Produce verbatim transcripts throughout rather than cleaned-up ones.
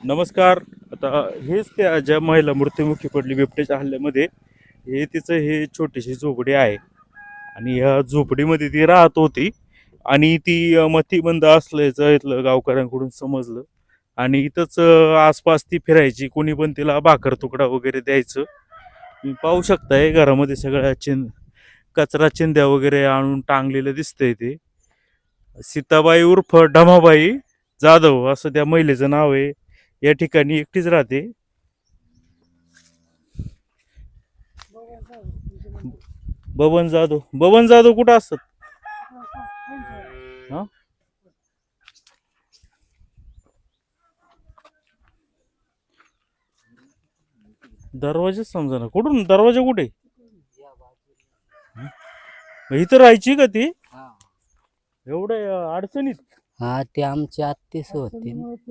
नमस्कार. आता हेच त्या ज्या महिला मृत्युमुखी पडली बिबट्याच्या हल्ल्यामध्ये, हे तिचं हे छोटीशी झोपडी आहे आणि ह्या झोपडीमध्ये ती राहत होती आणि ती अ, मतिमंद असल्याचं इथलं गावकऱ्यांकडून समजलं आणि इथंच अ, आसपास ती फिरायची. कोणी पण तिला भाकर तुकडा वगैरे द्यायचं. तुम्ही पाहू शकताय घरामध्ये सगळ्या चिं कचरा चिंध्या वगैरे आणून टांगलेलं दिसतंय ते. सीताबाई उर्फ ढमाबाई जाधव असं त्या महिलेचं नाव आहे. या ठिकाणी एकटीच राहते. बबन जाधव बबन जाधव कुठं असतात? हा दरवाजाच समजा ना कुठून दरवाजा कुठे? मग इथं राहायची का ती एवढ्या अडचणीत? हा ते आमची आत्तीच होती.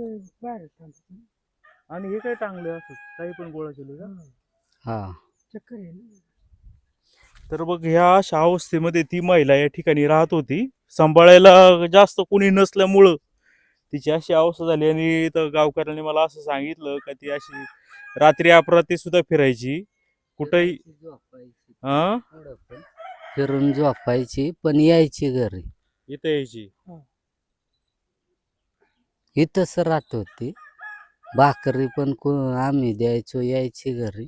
आणि हे काय टांगले असं काही पण गोळा केले का? हा तर बघ ह्या अशा अवस्थेमध्ये ती महिला या ठिकाणी राहत होती. सांभाळायला जास्त कोणी नसल्यामुळं तिची अशी अवस्था झाली आणि तर गावकऱ्यांनी मला असं सांगितलं का ती अशी रात्री अपरात्री सुद्धा फिरायची कुठंही. हा फिरून झोपायची पण यायची घरी. इथं यायची. इथंच राहत होती. भाकरी पण आम्ही द्यायचो, यायची घरी.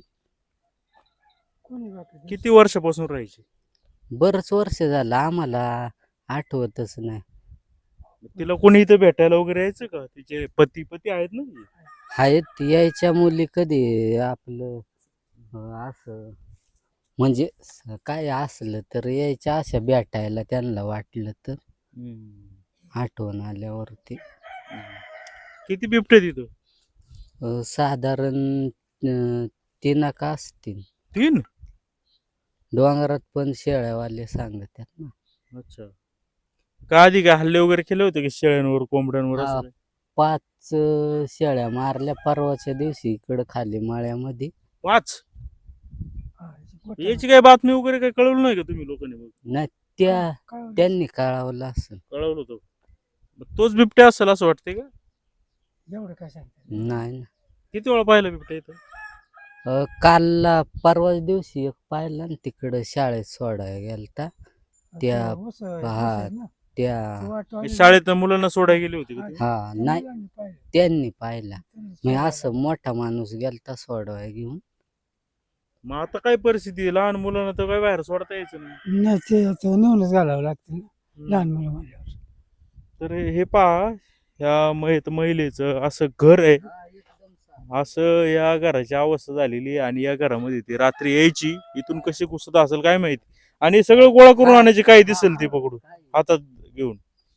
किती वर्षापासून राहायची? बरंच वर्ष झालं, आम्हाला आठवतच नाही. तिला कोणी इथं भेटायला वगैरे यायचं का? तिचे पती पती आहेत ना? आहेत यायच्या मुली कधी आपलं असं म्हणजे काय असलं तर यायच्या अशा भेटायला त्यांना वाटलं तर. आठवण आल्यावरती. किती बिबटे तिथं? साधारण तीन का असतील. तीन? डोंगरात पण शेळ्यावाले सांगतात ना. अच्छा. का आधी काय हल्ले वगैरे केले होते की शेळ्यांवर कोंबड्यांवर? पाच शेळ्या मारल्या परवाच्या दिवशी इकडं खाली माळ्यामध्ये. पाच? याची काय बातमी वगैरे काय कळवलं नाही का तुम्ही लोकांनी? नाही त्या त्यांनी कळवलं असं. कळवलं होतं. तोच बिबट्या असेल असं वाटतंय का? एवढं काय सांगतात नाही. किती वेळा पाहिलं बिबट्या इथं? कालला परवाच्या दिवशी एक पाहिला ना तिकडं शाळेत सोडायला गेलता त्या. हा त्या शाळेत मुलांना सोडायला गेली होती का? हा नाही त्यांनी पाहिला. मी असं मोठा माणूस गेलता सोडवाय घेऊन. मग आता काय परिस्थिती आहे? लहान मुलांना तर काय बाहेर सोडता यायचं नाही. नाही ते आता नेऊनच घालावं लागतं ना लहान मुलं म्हणल्यावर. तर हे पहा ह्या महित महिलेचं असं घर आहे. असं या घराची अवस्था झालेली आहे आणि या घरामध्ये ती रात्री यायची. इथून कशी घुसत असेल काय माहिती. आणि सगळं गोळा करून आणायची काही दिसेल ते पकडून हातात घेऊन.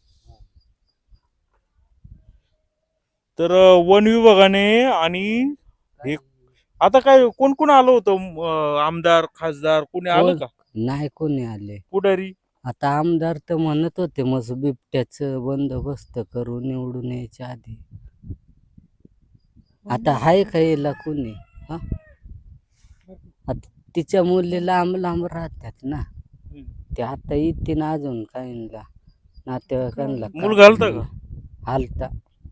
तर वन विभागाने आणि हे आता काय कोण कोण आलं होतं? आमदार खासदार कोणी आलं का? नाही कोणी आले. पुढारी आता आमदार तर म्हणत होते मग बिबट्याचं बंदोबस्त करून निवडून यायच्या आधी. आता हाय खायला कोणी? हा आता तिच्या मुली लांब लांब राहतात ना. ते आता येते ना अजून काहींना नातेवाईकांना. मुलगा आलता का? आलता.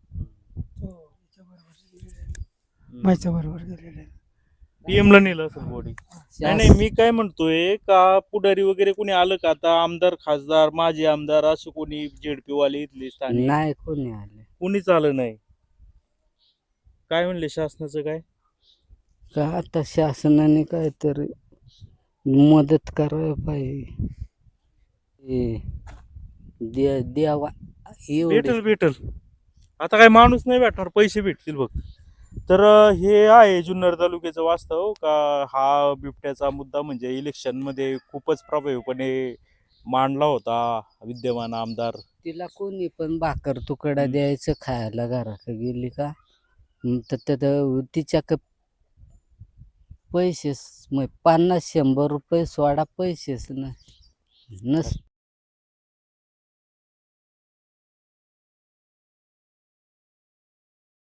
माझ्या बरोबर गेलेले पीएम ला नेलं असं बॉडी. नाही नाही मी काय म्हणतोय का पुढारी वगैरे कोणी आलं का? आता आमदार खासदार माजी आमदार असं कोणी जेडपी वाले इथले स्थानिक नाही कोणी आले. कोणीच आलं नाही. काय म्हणले शासनाचं काय? का आता शासनाने काहीतरी मदत करायला पाहिजे. दे- द्यावा एवढे. भेटल भेटल. आता काय माणूस नाही भेटणार, पैसे भेटतील बघ. तर हे आहे जुन्नर तालुक्याचं वास्तव का हा बिबट्याचा मुद्दा म्हणजे इलेक्शन मध्ये खूपच प्रभावीपणे मांडला होता विद्यमान आमदार. तिला कोणी पण भाकर तुकडा द्यायचं खायला घराकडे गेली का तर तिच्या पैसेच मग पन्नास शंभर रुपये सोडा पैसेच नस